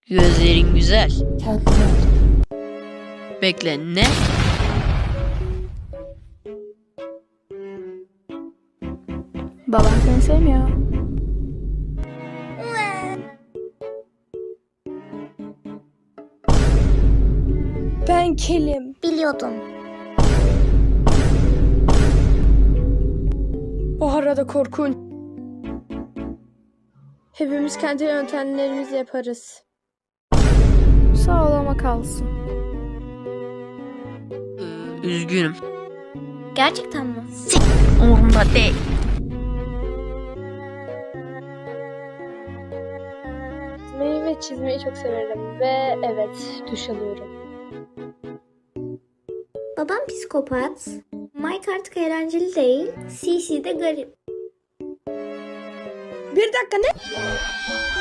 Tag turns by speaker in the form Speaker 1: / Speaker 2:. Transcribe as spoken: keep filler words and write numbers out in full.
Speaker 1: Gözlerin güzel.
Speaker 2: Tatlı.
Speaker 1: Bekle, ne?
Speaker 2: Baban seni sevmiyor. Ben kelim.
Speaker 3: Biliyordum.
Speaker 2: O arada korkunç. Hepimiz kendi yöntemlerimizle yaparız. Sağlama kalsın.
Speaker 1: Ee, üzgünüm.
Speaker 3: Gerçekten mi?
Speaker 1: Sik, umurumda değil.
Speaker 2: Çizmeyi ve çizmeyi çok severim. Ve evet, duş alıyorum.
Speaker 3: Babam psikopat. Mike artık eğlenceli değil. C C de garip.
Speaker 2: Bir dakika ne?